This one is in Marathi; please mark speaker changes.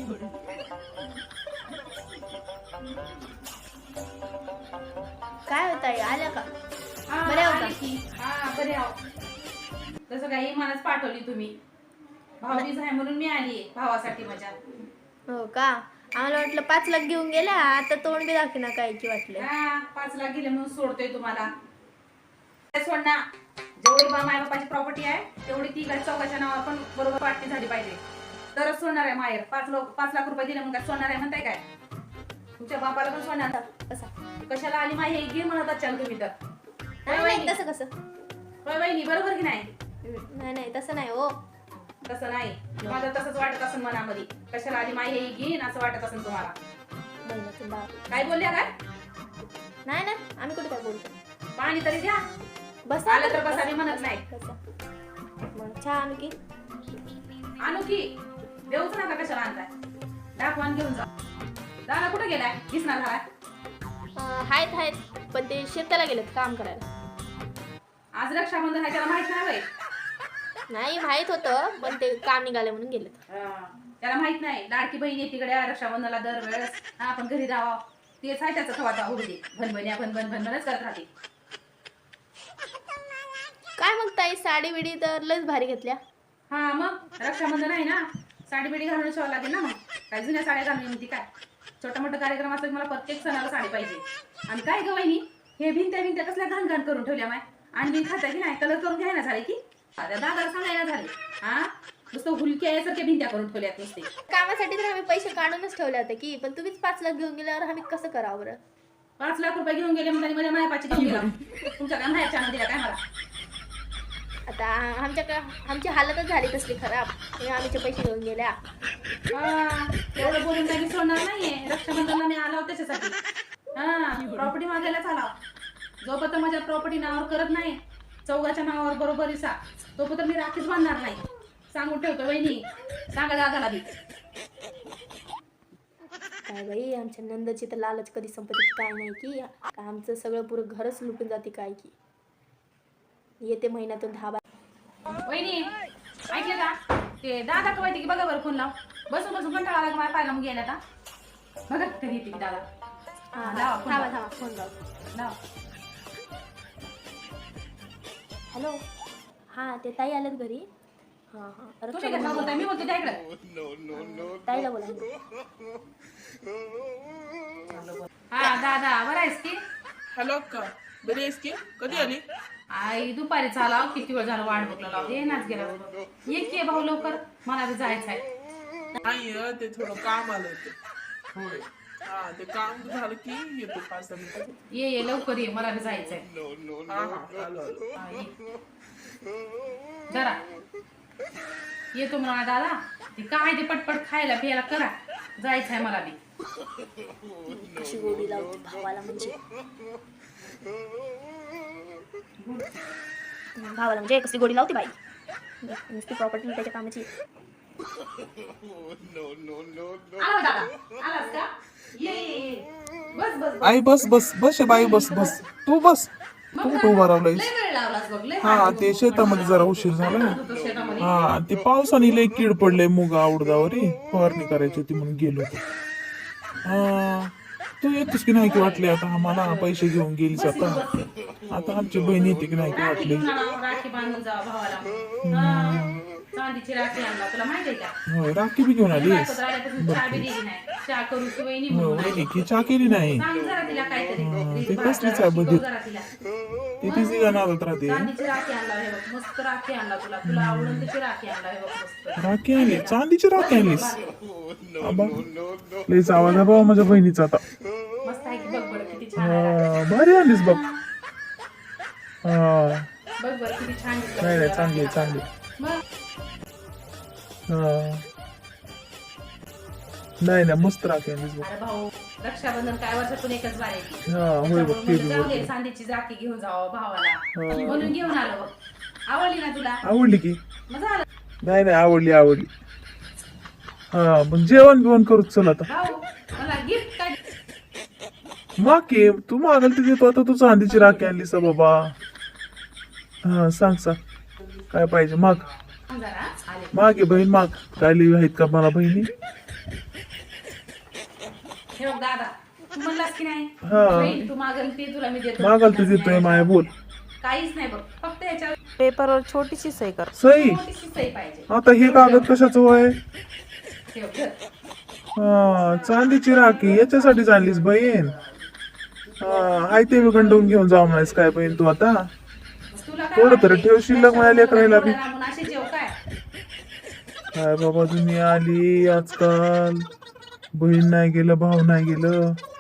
Speaker 1: काय होत आहे, आल्या का?
Speaker 2: बरे आहो की? हा बरे आहो. तसं काही मलाच पाठवली तुम्ही. भाऊबीज आहे म्हणून मी आली भावासाठी माझ्या.
Speaker 1: हो का? आम्हाला वाटलं 5 लाख घेऊन गेल्या, आता तोंड बी दाखिना काय की वाटलं.
Speaker 2: हा 5 लाख गेले म्हणून सोडतोय तुम्हाला. सोड ना. जेवढी माय बापाची प्रॉपर्टी आहे तेवढी ती काय चौकाच्या नावावर पण बरोबर वाटणी झाली पाहिजे, तरच सोडणार आहे माहेर. 5 लाख रुपये दिले मग काय सोडणार आहे म्हणताय काय? तुमच्या बापाला पण सोडणार
Speaker 1: कसा?
Speaker 2: कशाला आली माही हे घे म्हणत अचाल तुम्ही तर.
Speaker 1: नाही तसं कसं?
Speaker 2: होय वहिनी बरोबर की नाही?
Speaker 1: नाही नाही तसं नाही हो.
Speaker 2: तसं नाही, माझं तसंच वाटत असेल मनामध्ये. कशाला आली माही हे घेईन असं वाटत असेल तुम्हाला.
Speaker 1: बहिणीचं बाप.
Speaker 2: काय बोलल्या काय?
Speaker 1: नाही ना, आम्ही कुठे काय बोलतो.
Speaker 2: पाणी तरी द्या.
Speaker 1: बस
Speaker 2: आलं तर बसा, मी म्हणत नाही.
Speaker 1: मग चहा आणू की?
Speaker 2: आणू की? देऊच नका, कशाला आणताय? दाखवान घेऊन जा. दादा कुठे गेलाय? दिसणार झालाय.
Speaker 1: आहेत पण ते शेताला गेलेत काम करायला.
Speaker 2: आज रक्षाबंधन आहे, त्याला माहित नाही.
Speaker 1: नाही माहित होतं, पण ते काम निघाले म्हणून गेलेत.
Speaker 2: त्याला माहित नाही लाडकी बहीण येतीकडे रक्षाबंधनाला दरवेळेस आपण घरी राहावं. तेच आहे त्याचं खवाचा होऊ दे. भनभन्या भनभनच करत राहते.
Speaker 1: काय मग ताई, साडी बिडी तर लयच भारी घेतल्या.
Speaker 2: हा मग रक्षाबंधन आहे ना, साडी बिडी घालून शिवावं लागेल ना. मग काय जुन्या साड्या घालून म्हणते काय? छोटा मोठा कार्यक्रम असला मला प्रत्येक सणाला साडी पाहिजे. आणि काय ग वहिनी, हे भिंत्या कसल्या घाण घाण करून ठेवल्या माय. आणि बिन खाता की नाही, कलर करून घ्यायला झाले की दादाला सांगायला झाले. हा नुसतं हुलक्या यासारख्या भिंत्या करून ठेवल्यात नुसते.
Speaker 1: कामासाठी तर आम्ही पैसे काढूनच ठेवले होते की, पण तुम्हीच 5 लाख घेऊन गेल्यावर आम्ही कसं करावं बरं?
Speaker 2: 5 लाख रुपये घेऊन गेले म्हणजे माझ्या मायापाची घेऊन गेला. तुमच्या काय मायाच्या दिला काय मला?
Speaker 1: आता आमची हालतच झाली तसली खराब, आमचे पैसे घेऊन गेल्या.
Speaker 2: एवढं बोलून काही सोडणार नाहीये. रक्षाबंधनला मी आलो त्याच्यासाठी. प्रॉपर्टी मागायलाच आला. जोपर्यंत माझ्या प्रॉपर्टी नावावर करत नाही, चौघाच्या नावावर बरोबर इसा, तोपर्यंत मी राखीच बांधणार नाही. सांगून ठेवतो वहिनी, सांगा दादाला बी.
Speaker 1: काय बाई, आमच्या नंदची तर लालच कधी संपत्ती काय नाही की, आमचं सगळं पुरं घरच लुटून जाते काय की. येते महिन्यातून 10
Speaker 2: वहिनी ऐकले का? ते दादा का माहिती की बघा बरं फोन लाव. बसून कंटाळा आला माझ्या पायला. मग गेल्या आता बघा कधी येते दादा.
Speaker 1: थांबा फोन लाव. हॅलो, हा ते ताई आलेत घरी.
Speaker 2: मी बोलते त्याकडे.
Speaker 1: ताईला बोला.
Speaker 2: हा दादा बरं आहेस की?
Speaker 3: हॅलो अक्का, बरी आहेस की? कधी आली?
Speaker 2: आई दुपारी चाला, किती वेळ झाला वाट बघला. ये नाच गेला. ये की भाऊ लवकर, मला बी जायचं आहे.
Speaker 3: नाही ते थोडं काम आलं होतं. होय, हा ते काम झालं की येतो 5-10 मिनिटात.
Speaker 2: ये लवकर ये, मला बी जायचंय.
Speaker 3: हा आलो.
Speaker 2: जरा येतो म्हणा दादा. ते काय ते पटपट खायला पियाला करा, जायचंय मला बी.
Speaker 1: कशी गोडी लावते भावाला, म्हणजे कसली गोडी लावते बाई. नुसती प्रॉपर्टी त्याच्या कामाची.
Speaker 2: आला दादा, आलास का? ये बस
Speaker 3: आई बस बाई, बस तू बस. तू कुठं उभा राहिलायस?
Speaker 2: लय वेळ लावलास बघ. लय
Speaker 3: हा ते शेतामध्ये जरा उशीर झाला.
Speaker 2: शेतामध्ये.
Speaker 3: हा ते पावसाने लय कीड पडले मुगा उडदावरी, फवारणी करायची होती म्हणून गेलो होतो. तू येतोस की नाही की वाटले? आता आम्हाला पैसे घेऊन गेलीस. आता आमची बहीण येते की नाही की वाटले?
Speaker 2: राखी बांधून जा भावाला. चांदीची राखी आणला, तुला माहिती आहे का?
Speaker 3: होय, राखी बी घेऊन आलीस?
Speaker 2: चहा बी दिली नाही. चहा करू की वहिनी
Speaker 3: की चहा केली नाही?
Speaker 2: सांग जरा तिला काहीतरी.
Speaker 3: ते कसलीच आहे बघ,
Speaker 2: जरा तिला.
Speaker 3: ती तिची गाणारत राहते.
Speaker 2: चांदीची राखी आणला हे बघ, मस्त राखी आणला तुला आवडून त्याची राखी आणला हे बघ मस्त.
Speaker 3: राखी आणली? चांदीची राखी आणलीस? लईच आवाज आहे बाबा माझ्या बहिणीचा आता.
Speaker 2: मस्त आहे की, बघ बरं किती छान आहे.
Speaker 3: भारी आणलीस बघ.
Speaker 2: बघ बरं किती छान दिसतं.
Speaker 3: नाही चांगली.
Speaker 2: मग
Speaker 3: नाही मस्त राखी आणलीस बघ.
Speaker 2: अरे भाऊ, रक्षाबंधन काय वर्षातून एकच बार येते.
Speaker 3: होय बघ, ते बी
Speaker 2: जाऊ
Speaker 3: बघ.
Speaker 2: दे, चांदीची राखी घेऊन जावं भावाला म्हणून घेऊन आलो बघ. आवडली ना तुला?
Speaker 3: आवडली की?
Speaker 2: मग झालं
Speaker 3: नाही आवडली. हा मग जेवण बिवण करूच चल आता.
Speaker 2: भाऊ, मला गिफ्ट काय?
Speaker 3: माग की तू मागल ते देतो. आता तू चांदीची राखी आणलीस बाबा. हा सांग काय पाहिजे? माग
Speaker 2: जरा आले.
Speaker 3: मागे बहीण माग. काय लिहि आहेत का मला बहिणी?
Speaker 2: हे बघ दादा, तू म्हणलास की नाही
Speaker 3: हा.
Speaker 2: बहीण, तू मागल ते तुला मी देतो.
Speaker 3: मागाल तू देतोय माया बोल.
Speaker 2: काहीच नाही बघ, फक्त याच्यावर
Speaker 1: पेपरवर छोटीशी सही कर.
Speaker 3: सई
Speaker 2: छोटीशी सही पाहिजे.
Speaker 3: आता हे कागद कशाचं वय?
Speaker 2: हे बघ, धर.
Speaker 3: हा, चांदीची राखी याच्यासाठीच आणलीस बहीण. हा, हाय ते गंडवून घेऊन जाऊ नाहीस काय बहीण तू आता?
Speaker 2: तुला काय
Speaker 3: थोडं तरी
Speaker 2: वाटतंय?
Speaker 3: ठेव शिल्लक माझ्या लेकराला बी.
Speaker 2: एवढ्या लांबून अशी जेव काय?
Speaker 3: काय बाबा दुनिया आली आजकाल. बहीण नाही गेलं, भाऊ नाही गेलं.